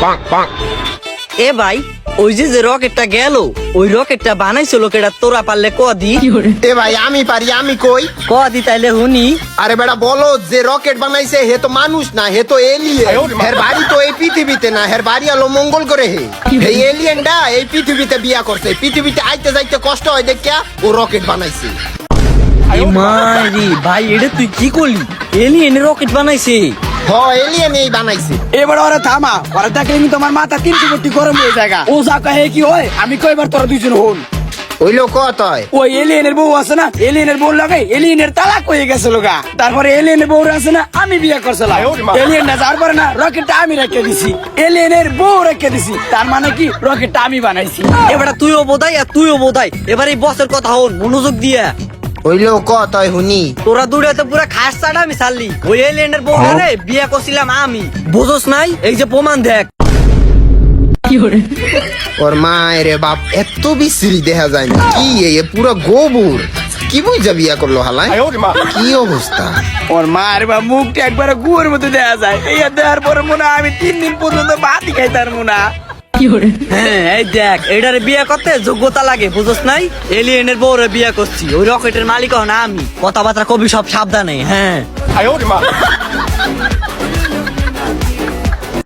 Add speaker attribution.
Speaker 1: এ ভাই ওই যে রকেটটা গেল ওই রকেটটা বানাইছিল কেডা তোরা পারলে কদি
Speaker 2: এ ভাই আমি পারি, আমি কই।
Speaker 1: কদি তাইলে হুনি।
Speaker 2: আরে বেটা বলো, যে রকেট বানাইছে হে তো মানুষ না, হে তো এলিয়েন। হের বাড়ি তো এই পৃথিবীতে না, হের বাড়ি হলো মঙ্গল করে। এই এলিয়েনটা এই পৃথিবীতে বিয়া করছে, পৃথিবীতে আইতে যাইতে কষ্ট হয় দেখিয়া ও রকেট বানাইছে।
Speaker 1: মারি ভাই এটা তুই কি করলি? এলিয়েন রকেট বানাইছে?
Speaker 2: হ, এলিয়েন এই বানাইছে।
Speaker 3: এবার ওরা থামা, ওরা দেখলে কিন্তু তোমার মাথা 300 কোটি গরম হয়ে যায়। ও যা কহে কি হয়, আমি কয়বার তোরা দুইজন হন।
Speaker 2: ওই লোক কত হয়?
Speaker 3: ওই এলিয়েনের বউ আছে না, এলিয়েনের বউ লাগে এলিয়েনের তালাক হয়ে গেছে লোকা। তারপরে এলিয়েনের বউ আছে না, আমি বিয়ে করছিলাম। এলিয়েনটা যার পরে না রকেটটা আমি রেখে দিছি, এলিয়েনের বউ রেখে দিছি। তার মানে কি রকেটটা আমি বানাইছি।
Speaker 1: এবার তুইও বোধাই আর তুইও বোধাই। এবার এই বসের কথা হন মনোযোগ দিয়া।
Speaker 2: ওই লোক কত হয় হুনি?
Speaker 1: তোরা দূরে তো পুরা খাস চাটা আমি ছাড়লি। ওই এলিয়েনের বউ রে বিয়ে করছিলাম আমি, বুঝোস নাই? এই যে প্রমাণ দেখ।
Speaker 2: ওর মায়ের বাপ এত বিশ্রী দেখা যায় না কি, এ পুরো গোবর। কি বুঝা বিয়া করলো হালায়? কি অবস্থা
Speaker 3: ওর মার বা মুখটা একবার গুয়ের মতো দেয়া যায়। এই দেওয়ার পরে মনে হয় আমি 3 দিন পর্যন্ত ভাতই খাইতার মনে।
Speaker 1: হ্যাঁ এই দেখ, এটারে বিয়ে করতে যোগ্যতা লাগে, বুঝোস নাই? এলিয়েনের বউরে বিয়ে করছি, ওই রকেটের মালিক না আমি। কথাবার্তা কবি সব সাবধানে। হ্যাঁ